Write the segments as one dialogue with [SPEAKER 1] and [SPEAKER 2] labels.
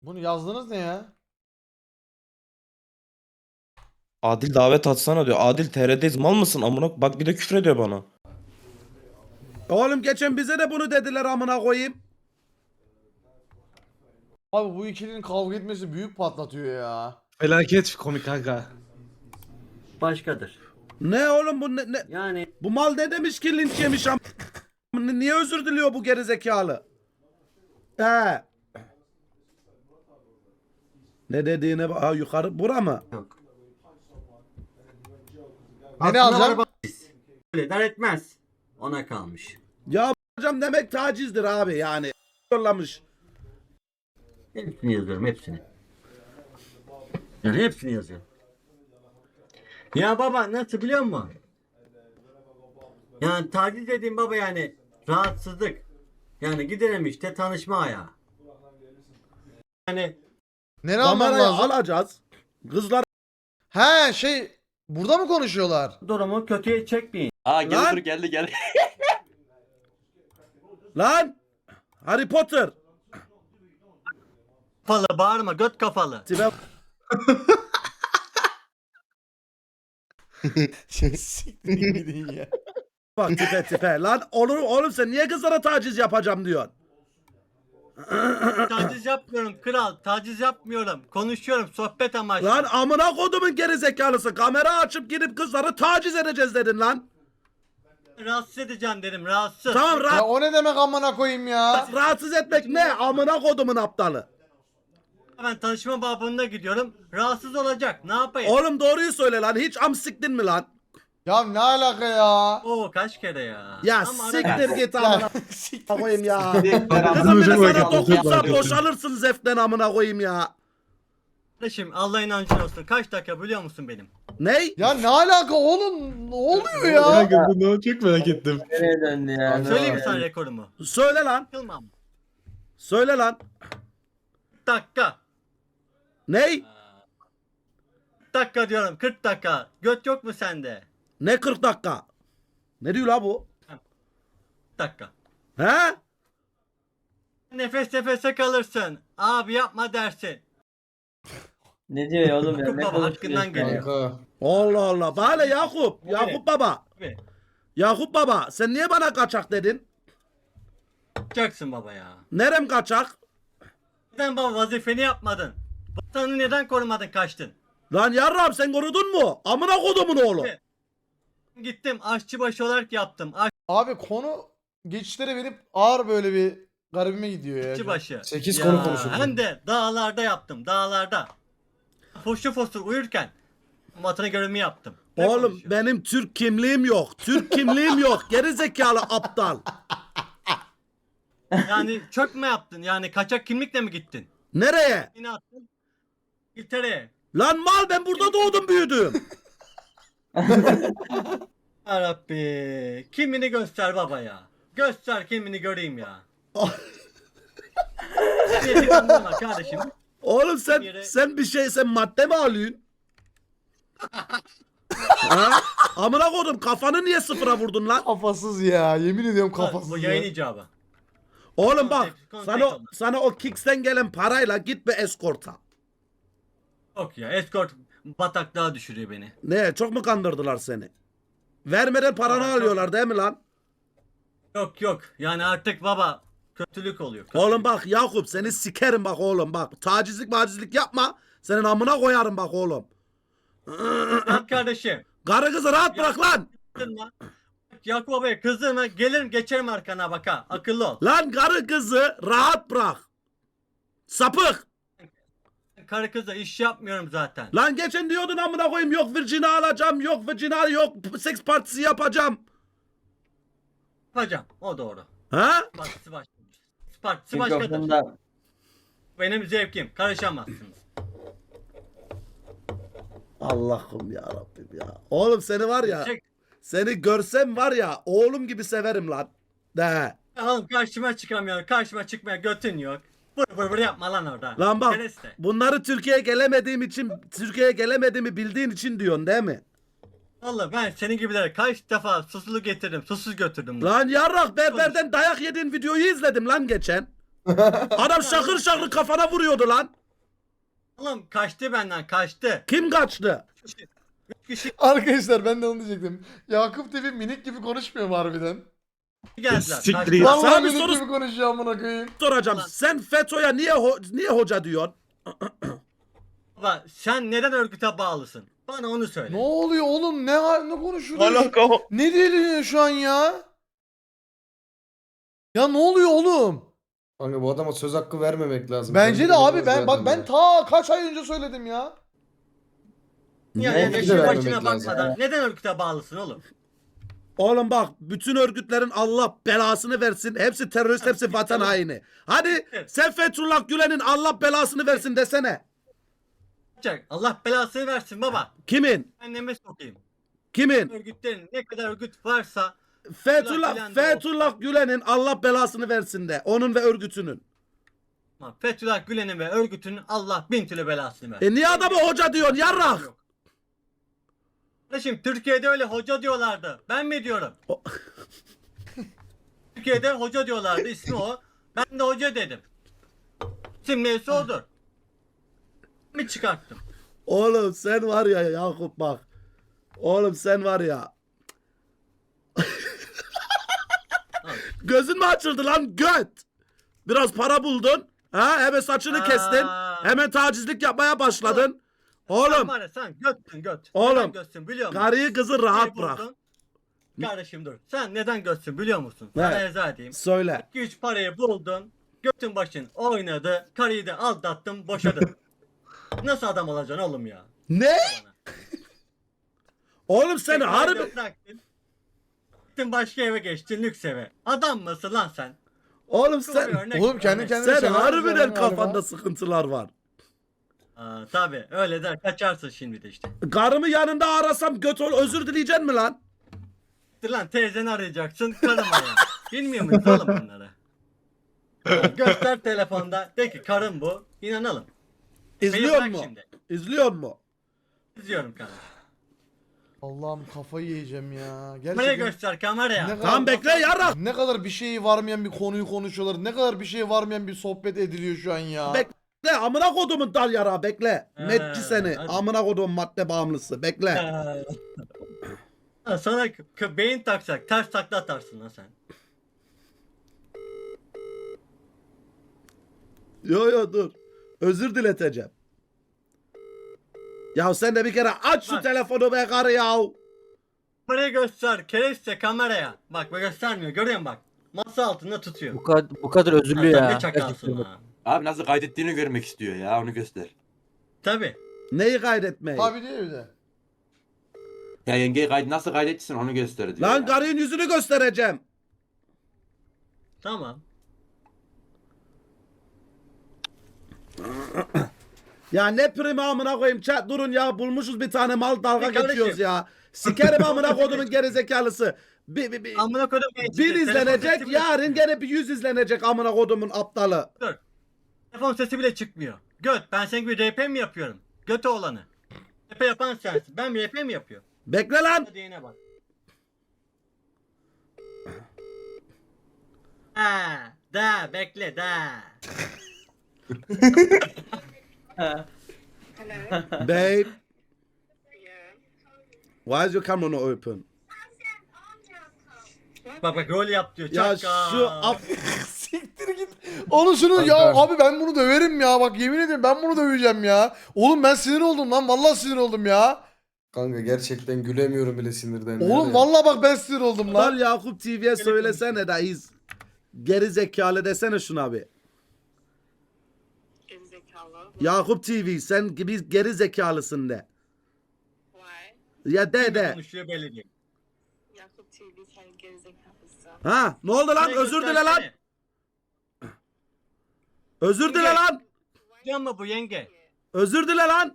[SPEAKER 1] Bunu yazdınız ne ya?
[SPEAKER 2] Adil davet atsana diyor. Adil TR'deyiz mal mısın amına? Bak bir de küfür ediyor bana.
[SPEAKER 3] Oğlum geçen bize de bunu dediler amına koyayım.
[SPEAKER 1] Abi bu ikilinin kavga etmesi büyük patlatıyor ya.
[SPEAKER 4] Felaket komik kanka.
[SPEAKER 5] Başkadır.
[SPEAKER 3] Ne oğlum bu ne?
[SPEAKER 5] Yani
[SPEAKER 3] Bu mal ne demiş ki linç yemiş am. Niye özür diliyor bu gerizekalı? He. Ne dediğine bak. Ha, yukarı bura mı?
[SPEAKER 5] yok.
[SPEAKER 1] Ne alacağım?
[SPEAKER 5] Öyle dar etmez. Ona kalmış.
[SPEAKER 3] Ya hocam demek tacizdir abi yani. Yollamış.
[SPEAKER 5] Hepsini yazıyorum hepsini. Yani hepsini yazıyorum. Ya baba nasıl biliyor musun? Yani taciz dediğim baba yani rahatsızlık. Yani gidelim işte tanışma ayağı. Yani
[SPEAKER 1] Nereye almam
[SPEAKER 3] Kamerayı
[SPEAKER 1] lazım?
[SPEAKER 3] alacağız. Kızlar
[SPEAKER 1] He şey burada mı konuşuyorlar?
[SPEAKER 5] durumu kötüye çekmeyin.
[SPEAKER 3] Lan!
[SPEAKER 2] geldi.
[SPEAKER 3] lan. Harry Potter.
[SPEAKER 5] Kafalı bağırma göt kafalı.
[SPEAKER 3] Tipe
[SPEAKER 1] Siktirin gidin ya.
[SPEAKER 3] bak tipe. Lan olur oğlum sen niye kızlara taciz yapacağım diyorsun?
[SPEAKER 5] Taciz yapmıyorum kral. Taciz yapmıyorum. Konuşuyorum sohbet amaçlı.
[SPEAKER 3] Lan amına kodumun gerizekalısı. Kamera açıp girip kızları taciz edeceğiz dedin lan.
[SPEAKER 5] Rahatsız edeceğim dedim rahatsız.
[SPEAKER 3] Tamam
[SPEAKER 1] Ya o ne demek amına koyayım ya?
[SPEAKER 3] rahatsız etmek ne? Amına kodumun aptalı.
[SPEAKER 5] Ben tanışma babında gidiyorum. Rahatsız olacak. Ne yapayım?
[SPEAKER 3] Oğlum doğruyu söyle lan. Hiç am siktin mi lan?
[SPEAKER 1] Ya ne alaka ya?
[SPEAKER 5] Oo kaç kere ya.
[SPEAKER 3] Ya
[SPEAKER 5] Ama
[SPEAKER 3] siktir
[SPEAKER 5] ara-
[SPEAKER 3] git
[SPEAKER 1] Ya
[SPEAKER 3] amına
[SPEAKER 1] siktir.
[SPEAKER 3] koyayım ya.
[SPEAKER 4] Kızım
[SPEAKER 3] Kızım bir de
[SPEAKER 4] çok
[SPEAKER 3] sana
[SPEAKER 4] hareket,
[SPEAKER 3] dokunsa
[SPEAKER 4] çok
[SPEAKER 3] boşalırsın zevkten amına koyayım ya.
[SPEAKER 5] Kardeşim Allah inancın olsun. Kaç dakika biliyor musun benim?
[SPEAKER 3] Ney?
[SPEAKER 1] Ya ne alaka oğlum? Ne oluyor ya?
[SPEAKER 4] Kanka bunu çok merak ettim.
[SPEAKER 6] Nereye döndü ya?
[SPEAKER 5] Söyleyeyim mi sana rekorumu?
[SPEAKER 3] Söyle lan.
[SPEAKER 5] Yılmam.
[SPEAKER 3] Söyle lan.
[SPEAKER 5] Dakika.
[SPEAKER 3] Ney?
[SPEAKER 5] Dakika diyorum 40 dakika. Göt yok mu sende?
[SPEAKER 3] Ne 40 dakika? Ne diyor la bu?
[SPEAKER 5] Dakika.
[SPEAKER 3] He?
[SPEAKER 5] Nefes nefese kalırsın. Abi yapma dersin.
[SPEAKER 6] Ne diyor ya oğlum ya?
[SPEAKER 5] Yakup
[SPEAKER 6] Ne
[SPEAKER 5] baba
[SPEAKER 6] konuşuyorsun
[SPEAKER 5] hakkından
[SPEAKER 6] ya?
[SPEAKER 5] geliyor.
[SPEAKER 1] Kanka.
[SPEAKER 3] Allah Allah. Bana Yakup. Yakup baba.
[SPEAKER 5] Abi.
[SPEAKER 3] Yakup baba. Sen niye bana kaçak dedin?
[SPEAKER 5] Yapacaksın baba ya.
[SPEAKER 3] Nerem kaçak?
[SPEAKER 5] Neden baba vazifeni yapmadın? Vatanı neden korumadın kaçtın?
[SPEAKER 3] Lan yarrab sen korudun mu? Amına kodumun oğlu.
[SPEAKER 5] Evet. Gittim aşçıbaşı olarak yaptım.
[SPEAKER 1] Abi konu geçişlere verip ağır böyle bir garibime gidiyor ya.
[SPEAKER 5] Aşçıbaşı.
[SPEAKER 1] 8
[SPEAKER 5] Ya,
[SPEAKER 1] konu konuşuyoruz.
[SPEAKER 5] Hem de dağlarda yaptım dağlarda. Foşu fosur uyurken vatanı görevimi yaptım. Ne
[SPEAKER 3] Oğlum
[SPEAKER 5] konuşuyorsun?
[SPEAKER 3] benim Türk kimliğim yok. Türk kimliğim yok. Geri zekalı aptal.
[SPEAKER 5] Yani çök mü yaptın? Yani kaçak kimlikle mi gittin?
[SPEAKER 3] Nereye?
[SPEAKER 5] Yine attın. İngiltere'ye.
[SPEAKER 3] Lan mal ben burada doğdum büyüdüm.
[SPEAKER 5] Yarabbi. Kimini göster baba ya. Göster kimini göreyim ya. Niyeti kandırma kardeşim.
[SPEAKER 3] Oğlum sen
[SPEAKER 5] Yere-
[SPEAKER 3] sen madde mi alıyorsun? ha? Amına kodum kafanı niye sıfıra vurdun lan?
[SPEAKER 1] Kafasız ya. Yemin ediyorum
[SPEAKER 5] Bu
[SPEAKER 1] kafasız
[SPEAKER 5] yayın
[SPEAKER 1] ya.
[SPEAKER 5] icabı.
[SPEAKER 3] Oğlum bak
[SPEAKER 5] Kontek
[SPEAKER 3] sana o Kicks'ten gelen parayla git bir eskorta.
[SPEAKER 5] Yok ya escort bataklığa düşürüyor beni.
[SPEAKER 3] Ne çok mu kandırdılar seni? Vermeden paranı
[SPEAKER 5] Aa, çok-
[SPEAKER 3] alıyorlar değil mi lan?
[SPEAKER 5] Yok yani artık baba kötülük oluyor.
[SPEAKER 3] Oğlum bak Yakup seni sikerim bak oğlum bak. Tacizlik yapma. Senin amına koyarım bak oğlum.
[SPEAKER 5] Bak kardeşim.
[SPEAKER 3] Karı kızı rahat bırak lan.
[SPEAKER 5] Kızdırma. Yakup babaya kızdırma. Gelirim geçerim arkana bak ha. Akıllı ol.
[SPEAKER 3] Lan karı kızı rahat bırak. Sapık.
[SPEAKER 5] Karı kızla iş yapmıyorum zaten.
[SPEAKER 3] Lan geçen diyordun amına koyayım yok Virgin'i alacağım yok Virgin'i yok seks partisi yapacağım.
[SPEAKER 5] Yapacağım. O doğru.
[SPEAKER 3] Ha?
[SPEAKER 5] Partisi başka. Partisi başkadır.
[SPEAKER 6] Mikrofonda
[SPEAKER 5] Benim zevkim. Karışamazsınız.
[SPEAKER 3] Allah'ım ya Rabbim ya. Oğlum seni var ya
[SPEAKER 5] Çek.
[SPEAKER 3] seni görsem var ya oğlum gibi severim lan. De.
[SPEAKER 5] Oğlum karşıma çıkamıyor. Karşıma çıkmaya götün yok. Vır yapma lan orada.
[SPEAKER 3] Lan bak
[SPEAKER 5] Kereste.
[SPEAKER 3] bunları Türkiye'ye gelemediğimi bildiğin için diyorsun değil mi?
[SPEAKER 5] Vallahi ben senin gibilere kaç defa susuzlu getirdim. Susuz götürdüm.
[SPEAKER 3] Lan yarrak berberden dayak yediğin videoyu izledim lan geçen. Adam şakır şakır kafana vuruyordu lan.
[SPEAKER 5] Oğlum kaçtı benden kaçtı.
[SPEAKER 3] Kim kaçtı?
[SPEAKER 5] Üç kişi
[SPEAKER 1] Arkadaşlar ben de onu diyecektim. Yakup TV minik gibi konuşmuyor mu harbiden?
[SPEAKER 5] geldiler.
[SPEAKER 4] Siktir
[SPEAKER 5] kaçtı.
[SPEAKER 4] it.
[SPEAKER 1] Vallahi
[SPEAKER 3] Sana bir
[SPEAKER 1] minik
[SPEAKER 3] soru
[SPEAKER 1] gibi konuşuyor amına koyayım.
[SPEAKER 3] soracağım.
[SPEAKER 5] Ulan.
[SPEAKER 3] Sen FETÖ'ye niye hoca diyorsun?
[SPEAKER 5] Baba sen neden örgüte bağlısın? Bana onu söyle.
[SPEAKER 1] Ne oluyor oğlum? Ne konuşuyor?
[SPEAKER 2] Alaka o.
[SPEAKER 1] Ne deniyor şu an ya? Ya ne oluyor oğlum?
[SPEAKER 7] Kanka bu adama söz hakkı vermemek lazım.
[SPEAKER 1] Bence de
[SPEAKER 7] Kendi
[SPEAKER 1] abi
[SPEAKER 7] bilmez
[SPEAKER 1] ben bak
[SPEAKER 7] zaten
[SPEAKER 1] ben
[SPEAKER 7] ya.
[SPEAKER 1] ta kaç ay önce söyledim ya.
[SPEAKER 5] Yani
[SPEAKER 7] Ne?
[SPEAKER 5] işin
[SPEAKER 7] Vermemek
[SPEAKER 5] başına
[SPEAKER 7] lazım.
[SPEAKER 5] bakmadan neden örgüte bağlısın oğlum?
[SPEAKER 3] Oğlum bak bütün örgütlerin Allah belasını versin. Hepsi terörist, hepsi vatan haini. Hadi sen Fethullah Gülen'in Allah belasını versin desene.
[SPEAKER 5] Yapacak. Allah belasını versin baba.
[SPEAKER 3] Kimin?
[SPEAKER 5] Anneme sokayım.
[SPEAKER 3] Kimin?
[SPEAKER 5] Örgütlerin ne kadar örgüt varsa
[SPEAKER 3] Fethullah, Fethullah Gülen'in Allah belasını versin de. Onun ve örgütünün.
[SPEAKER 5] ama Fethullah Gülen'in ve örgütünün Allah bin türlü belasını versin.
[SPEAKER 3] Niye adamı hoca diyorsun yarrak?
[SPEAKER 5] Yok. Kardeşim Türkiye'de öyle hoca diyorlardı. Ben mi diyorum?
[SPEAKER 3] O-
[SPEAKER 5] Türkiye'de hoca diyorlardı. İsmi o. Ben de hoca dedim. İsim neyse odur. Mi çıkarttım?
[SPEAKER 3] Oğlum sen var ya Yakup bak. Oğlum sen var ya. Gözün mü açıldı lan göt? Biraz para buldun. Ha hemen saçını
[SPEAKER 5] Aa.
[SPEAKER 3] kestin. Hemen tacizlik yapmaya başladın.
[SPEAKER 5] Sen
[SPEAKER 3] Oğlum
[SPEAKER 5] var ya sen götsün göt.
[SPEAKER 3] Oğlum,
[SPEAKER 5] Neden götsün biliyor musun?
[SPEAKER 3] karıyı kızı rahat
[SPEAKER 5] Şey
[SPEAKER 3] bırak.
[SPEAKER 5] buldun. Kardeşim dur. Sen neden götsün biliyor musun?
[SPEAKER 3] Ne?
[SPEAKER 5] Sana izah edeyim.
[SPEAKER 3] Söyle.
[SPEAKER 5] 2-3 parayı buldun. Götün başın oynadı. Karıyı da aldattın boşadın. Nasıl adam olacaksın oğlum ya?
[SPEAKER 3] Ne? Oğlum sen
[SPEAKER 5] Tekrar
[SPEAKER 3] harbi...
[SPEAKER 5] da bıraktın. Gittin başka eve geçtin lüks eve. Adam mısın lan sen?
[SPEAKER 3] Oğlum
[SPEAKER 5] Şu bir
[SPEAKER 3] sen...
[SPEAKER 5] örnek,
[SPEAKER 1] Oğlum kendi
[SPEAKER 5] örnek.
[SPEAKER 1] kendine
[SPEAKER 3] Sen
[SPEAKER 1] sever
[SPEAKER 3] harbiden
[SPEAKER 1] misin galiba?
[SPEAKER 3] kafanda sıkıntılar var.
[SPEAKER 5] Aa, tabii öyle der kaçarsın şimdi de işte.
[SPEAKER 3] Karımı yanında arasam göt ol özür dileyeceksin mi lan?
[SPEAKER 5] Dur lan teyzeni arayacaksın karım arayan. Bilmiyor muyuz oğlum bunları? Ya, göster telefonda de ki karım bu. İnanalım.
[SPEAKER 3] İzliyor
[SPEAKER 5] bırak
[SPEAKER 3] mu?
[SPEAKER 5] şimdi.
[SPEAKER 3] İzliyor mu?
[SPEAKER 5] İzliyorum kardeşim.
[SPEAKER 1] Allah'ım kafayı yiyeceğim ya.
[SPEAKER 5] Kameraya
[SPEAKER 1] Gerçekten
[SPEAKER 5] göster kameraya.
[SPEAKER 1] ne
[SPEAKER 3] Tamam bekle yarrak.
[SPEAKER 1] ne kadar bir şeyi varmayan bir konuyu konuşuyorlar. Ne kadar bir şey varmayan bir sohbet ediliyor şu an ya.
[SPEAKER 3] Bekle amına kodumun dal yara bekle. Metçi seni.
[SPEAKER 5] hadi.
[SPEAKER 3] Amına kodumun madde bağımlısı bekle.
[SPEAKER 5] Ha, sana beyin taksak ters takla atarsın lan sen.
[SPEAKER 3] Yo dur. Özür dileteceğim. Ya sen de bir kere aç şu
[SPEAKER 5] Bak.
[SPEAKER 3] telefonu be karı ya.
[SPEAKER 5] Kameraya göster kereste kameraya. Bak göstermiyor görüyor musun bak. Masa altında tutuyor.
[SPEAKER 6] Bu kadar özürlü
[SPEAKER 5] Sen ne
[SPEAKER 6] ya.
[SPEAKER 5] çakalsın
[SPEAKER 6] Gerçekten.
[SPEAKER 5] ha.
[SPEAKER 8] Abi nasıl kaydettiğini görmek istiyor ya onu göster.
[SPEAKER 5] Tabii.
[SPEAKER 3] Neyi kaydetmeyi?
[SPEAKER 1] Tabii diyor bir de.
[SPEAKER 8] Ya yengeyi nasıl kaydettiysen onu göster diyor.
[SPEAKER 3] Lan
[SPEAKER 8] ya.
[SPEAKER 3] karının yüzünü göstereceğim.
[SPEAKER 5] Tamam.
[SPEAKER 3] Ya ne primi amına koyayım chat durun ya bulmuşuz bir tane mal dalga
[SPEAKER 5] Bir kardeşim.
[SPEAKER 3] geçiyoruz ya. Sikerim amına kodumun gerizekalısı. Bir
[SPEAKER 5] Amına kodum.
[SPEAKER 3] bir izlenecek yarın gene bir 100 izlenecek amına kodumun aptalı.
[SPEAKER 5] Telefon sesi bile çıkmıyor. Göt ben senin gibi RP mi yapıyorum? Göt oğlanı. RP yapan sensin. Ben RP mi yapıyorum?
[SPEAKER 3] Bekle lan.
[SPEAKER 5] Hadi yine bak. Ha, da bekle da.
[SPEAKER 3] Babe. Why is your camera not open?
[SPEAKER 5] Bak rol yap diyor.
[SPEAKER 3] Ya
[SPEAKER 5] Çakal.
[SPEAKER 3] şu
[SPEAKER 1] Siktir git. Onu şunu ya abi ben bunu döverim ya. Bak yemin ederim ben bunu döveceğim ya. Oğlum ben sinir oldum lan. Vallahi sinir oldum ya.
[SPEAKER 7] Kanka gerçekten gülemiyorum bile sinirden.
[SPEAKER 1] Oğlum
[SPEAKER 7] Yani.
[SPEAKER 1] vallahi bak ben sinir oldum lan.
[SPEAKER 3] Lan Yakup TV'ye söylesene de iz. Geri zekalı desene şuna bir.
[SPEAKER 9] Gerizekalı.
[SPEAKER 3] Yakup TV sen gibi geri zekalısın de.
[SPEAKER 9] Why?
[SPEAKER 3] Ya de.
[SPEAKER 5] Konuşuyor belli değil.
[SPEAKER 9] Yakup TV sen gerizekalısın.
[SPEAKER 3] Ha ne oldu lan
[SPEAKER 5] Kamerayı
[SPEAKER 3] özür dile lan.
[SPEAKER 5] göstersene.
[SPEAKER 3] Özür dile lan.
[SPEAKER 5] Kocan mı bu yenge?
[SPEAKER 3] Özür dile lan.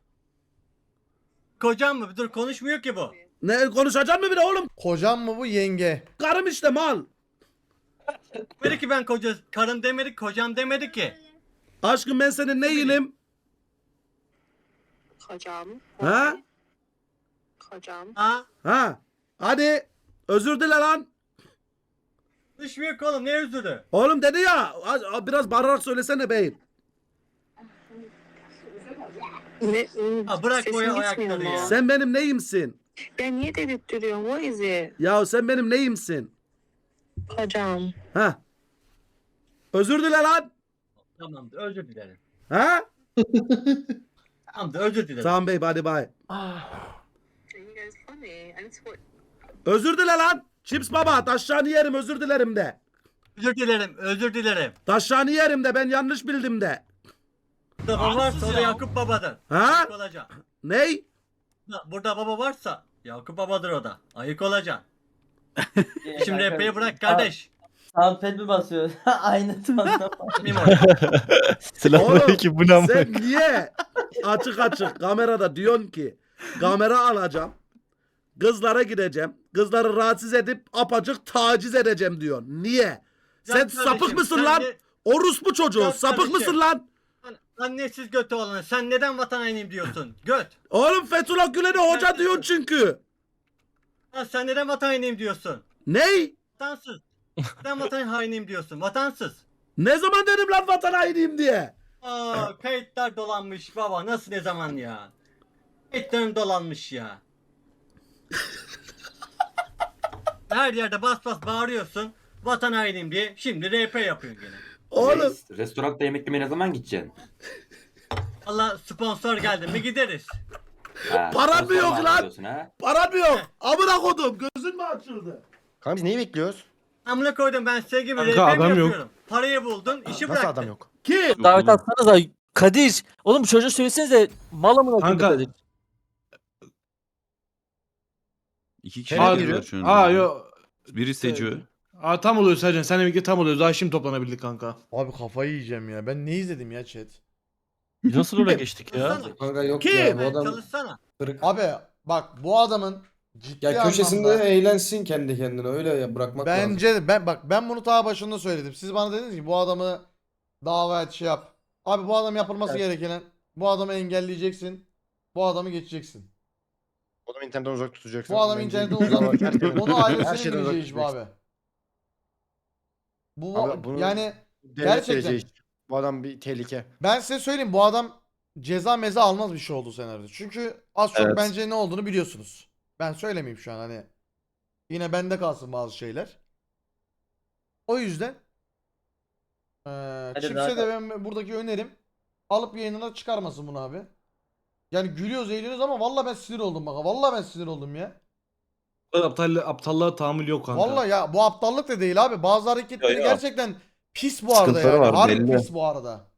[SPEAKER 5] Kocan mı? Dur konuşmuyor ki bu.
[SPEAKER 3] Ne konuşacağım mı bir de oğlum?
[SPEAKER 1] Kocam mı bu yenge?
[SPEAKER 3] Karım işte mal.
[SPEAKER 5] Dedi ki ben karım demedik, kocam demedi ki.
[SPEAKER 3] Aşkım ben senin neyinim?
[SPEAKER 9] Kocam.
[SPEAKER 3] Ha?
[SPEAKER 9] Kocam.
[SPEAKER 5] Ha?
[SPEAKER 3] Ha? Hadi özür dile lan.
[SPEAKER 5] Düşmüyor ki oğlum, ne özürü?
[SPEAKER 3] Oğlum dedi ya biraz bağırarak söylesene beyim.
[SPEAKER 9] Ne?
[SPEAKER 5] Ha, bırak
[SPEAKER 9] Sesin
[SPEAKER 5] boya
[SPEAKER 9] gitmiyor
[SPEAKER 5] ayakları
[SPEAKER 9] mu?
[SPEAKER 5] ya.
[SPEAKER 3] Sen benim neyimsin?
[SPEAKER 9] Ya niye dedirtiyorsun? What is it?
[SPEAKER 3] Ya sen benim neyimsin?
[SPEAKER 9] Hocam.
[SPEAKER 3] Ha? Özür dile lan.
[SPEAKER 5] Tamamdır, özür dilerim.
[SPEAKER 3] Ha?
[SPEAKER 5] Tamamdır, özür dilerim.
[SPEAKER 3] Tamam bey hadi bay.
[SPEAKER 9] You guys funny. I need to work.
[SPEAKER 3] Özür dile lan. Chips baba taşlarını yerim özür dilerim de.
[SPEAKER 5] Özür dilerim, özür dilerim.
[SPEAKER 3] Taşlarını yerim de ben yanlış bildim de.
[SPEAKER 5] Burada baba varsa o da Yakup babadır.
[SPEAKER 3] Ha?
[SPEAKER 5] Ayık olacaksın.
[SPEAKER 3] Ney?
[SPEAKER 5] Burada baba varsa Yakup babadır o da. Ayık olacaksın.
[SPEAKER 6] Şey,
[SPEAKER 5] Şimdi
[SPEAKER 6] kanka,
[SPEAKER 5] epey bırak kardeş.
[SPEAKER 6] Soundpad mi basıyor? Aynı tonda.
[SPEAKER 5] Mim orada.
[SPEAKER 3] Selamünaleyküm bu ne? Sen niye açık kamerada diyorsun ki kamera alacağım. Kızlara gideceğim. Kızları rahatsız edip apacık taciz edeceğim diyorsun. Niye? Sen
[SPEAKER 5] Can
[SPEAKER 3] sapık
[SPEAKER 5] kardeşim,
[SPEAKER 3] mısın
[SPEAKER 5] sen
[SPEAKER 3] lan?
[SPEAKER 5] de-
[SPEAKER 3] Orospu çocuğu.
[SPEAKER 5] Can
[SPEAKER 3] Sapık
[SPEAKER 5] kardeşim.
[SPEAKER 3] mısın lan?
[SPEAKER 5] Annesiz götü olanı. Sen neden vatan hainiyim diyorsun? Göt.
[SPEAKER 3] Oğlum Fethullah Gülen'e hoca diyorsun çünkü.
[SPEAKER 5] Lan sen neden vatan hainiyim diyorsun?
[SPEAKER 3] Ney?
[SPEAKER 5] Vatansız. Neden vatan hainiyim diyorsun? Vatansız.
[SPEAKER 3] Ne zaman dedim lan vatan hainiyim diye?
[SPEAKER 5] Aa, kayıtlar dolanmış baba. Nasıl, ne zaman ya? Kayıtlarım dolanmış ya. Her yerde bas bas bağırıyorsun. Vatan hainiyim diye. Şimdi RP yapıyorsun gene.
[SPEAKER 3] Oğlum
[SPEAKER 8] Reis, restoranda yemek yemeye ne zaman gideceksin?
[SPEAKER 5] Allah sponsor geldi mi gideriz.
[SPEAKER 8] Ha,
[SPEAKER 3] Paran mı
[SPEAKER 8] sponsor
[SPEAKER 3] yok
[SPEAKER 8] mu
[SPEAKER 3] lan?
[SPEAKER 8] arıyorsun ha?
[SPEAKER 3] paran mı yok? Amına kodum gözün mü açıldı?
[SPEAKER 10] Kanka biz neyi bekliyoruz?
[SPEAKER 5] Amına koydum, ben size gibi
[SPEAKER 4] Kanka,
[SPEAKER 5] RP mi
[SPEAKER 4] adam yok.
[SPEAKER 5] yapıyorum? Parayı buldun, işi
[SPEAKER 10] Nasıl
[SPEAKER 5] bıraktın.
[SPEAKER 10] adam yok?
[SPEAKER 3] Kim?
[SPEAKER 11] Davet atsanıza. Kadir. Oğlum bu çocuğa söylesenize. Mal amına koyayım
[SPEAKER 4] Kanka.
[SPEAKER 11] Kadir.
[SPEAKER 10] İki
[SPEAKER 4] kişi giriyor
[SPEAKER 10] şu an.
[SPEAKER 4] Aa yo.
[SPEAKER 10] Biri Seco.
[SPEAKER 4] Aa tam oluyor Sercan. Seninle birlikte tam oluyor. Daha şimdi toplanabildik kanka.
[SPEAKER 1] Abi kafayı yiyeceğim ya. Ben ne izledim ya chat?
[SPEAKER 11] Nasıl oraya geçtik ya?
[SPEAKER 5] Çalışsana.
[SPEAKER 7] Kanka yok
[SPEAKER 3] Kim?
[SPEAKER 7] ya bu
[SPEAKER 5] Ben
[SPEAKER 7] adam
[SPEAKER 5] çalışsana.
[SPEAKER 7] kırık.
[SPEAKER 1] Abi bak bu adamın ciddi
[SPEAKER 7] Ya köşesinde
[SPEAKER 1] anlamda
[SPEAKER 7] eğlensin kendi kendine öyle ya bırakmak lazım.
[SPEAKER 1] bence ben bunu daha başında söyledim. Siz bana dediniz ki bu adamı dava et şey yap. Abi bu adam yapılması gereken, bu adamı engelleyeceksin. Bu adamı geçeceksin.
[SPEAKER 10] O zaman internetten uzak tutacaksın.
[SPEAKER 1] Bu adamı
[SPEAKER 10] Bence-
[SPEAKER 1] internetten uzak. Onu
[SPEAKER 10] Her
[SPEAKER 1] ailesinin
[SPEAKER 10] şeyden uzak
[SPEAKER 1] bileceği iş bu
[SPEAKER 10] tutacaksın.
[SPEAKER 1] abi. Bu
[SPEAKER 10] Abi bunu-
[SPEAKER 1] yani
[SPEAKER 10] Devlet
[SPEAKER 1] gerçekten.
[SPEAKER 10] vereceği iş. Bu adam bir tehlike.
[SPEAKER 1] ben size söyleyeyim, bu adam ceza meza almaz bir şey oldu senaryoda. Çünkü az çok
[SPEAKER 2] Evet.
[SPEAKER 1] bence ne olduğunu biliyorsunuz. Ben söylemeyeyim şu an, hani yine bende kalsın bazı şeyler. O yüzden
[SPEAKER 6] Hadi
[SPEAKER 1] Chips'e
[SPEAKER 6] daha-
[SPEAKER 1] de ben buradaki önerim, alıp yayınına çıkarmasın bunu abi. Yani gülüyoruz eğleniyoruz ama vallahi ben sinir oldum bak. Vallahi ben sinir oldum ya.
[SPEAKER 4] Bu kadar aptallığa tahammül yok kanka.
[SPEAKER 1] Vallahi ya bu aptallık da değil abi. Bazı hareketleri
[SPEAKER 2] Ya, ya.
[SPEAKER 1] gerçekten pis bu arada
[SPEAKER 2] Sıkıntıları
[SPEAKER 1] yani.
[SPEAKER 2] var,
[SPEAKER 1] Harbi
[SPEAKER 2] belli.
[SPEAKER 1] pis bu arada.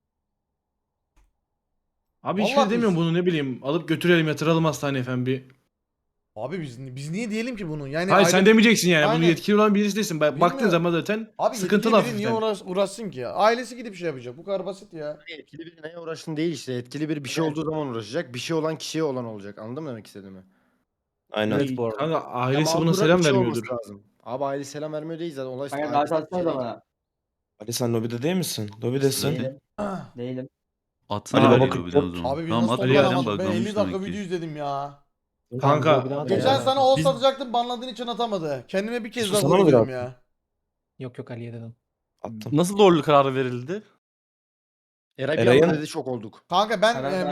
[SPEAKER 4] Abi hiç
[SPEAKER 1] Vallahi
[SPEAKER 4] şey demiyorum
[SPEAKER 1] biz-
[SPEAKER 4] bunu ne bileyim. Alıp götürelim yatıralım hastaneye efendim bir.
[SPEAKER 1] Abi biz niye diyelim ki bunu? Yani
[SPEAKER 4] Hayır sen
[SPEAKER 1] aile-
[SPEAKER 4] demeyeceksin yani.
[SPEAKER 1] Aynen.
[SPEAKER 4] Bunu yetkili olan birisi değilsin. Baktığın
[SPEAKER 1] Bilmiyorum.
[SPEAKER 4] zaman zaten
[SPEAKER 1] Abi
[SPEAKER 4] sıkıntılı
[SPEAKER 1] yetkili biri niye
[SPEAKER 4] hafiften.
[SPEAKER 1] uğraşsın ki ya? Ailesi gidip şey yapacak. Bu kadar basit ya.
[SPEAKER 10] Etkili biri neye uğraştın değil işte. Etkili bir şey olduğu zaman uğraşacak. Bir şey olan kişiye olan olacak. Anladın mı demek istediğimi?
[SPEAKER 2] Aynen.
[SPEAKER 11] Evet bu arada.
[SPEAKER 4] Kanka
[SPEAKER 10] Ya
[SPEAKER 4] ailesi buna
[SPEAKER 10] mağdura
[SPEAKER 4] selam
[SPEAKER 10] bir şey
[SPEAKER 4] vermiyordur.
[SPEAKER 10] olması lazım. Abi aile selam vermiyor değil zaten. Olay
[SPEAKER 6] Kanka davet atsanıza bana.
[SPEAKER 2] Ali sen lobide değil misin? Lobidesin.
[SPEAKER 6] Değilim. Değilim.
[SPEAKER 10] Atsana
[SPEAKER 2] Ali
[SPEAKER 10] Ali
[SPEAKER 2] Baba
[SPEAKER 10] lobiden o
[SPEAKER 2] 44.
[SPEAKER 10] zaman.
[SPEAKER 1] Abi biz
[SPEAKER 10] Tamam,
[SPEAKER 1] nasıl
[SPEAKER 10] at Ali adam
[SPEAKER 1] toplanamadık? Ben 50
[SPEAKER 10] buglamış
[SPEAKER 1] dakika
[SPEAKER 10] demek ki.
[SPEAKER 1] video izledim ya.
[SPEAKER 4] Kanka
[SPEAKER 1] Geçen sana o
[SPEAKER 4] Biz-
[SPEAKER 1] satacaktım, banladığın için atamadı. Kendime bir kez daha
[SPEAKER 2] Susana mı
[SPEAKER 1] vuruyorum
[SPEAKER 2] biraz?
[SPEAKER 1] ya.
[SPEAKER 11] Yok yok Ali'ye dedim.
[SPEAKER 2] Attım.
[SPEAKER 11] Nasıl doğruluk kararı verildi?
[SPEAKER 10] Eray bir
[SPEAKER 2] Eray'ın-
[SPEAKER 10] anda dedi şok olduk.
[SPEAKER 1] Kanka ben
[SPEAKER 6] Karar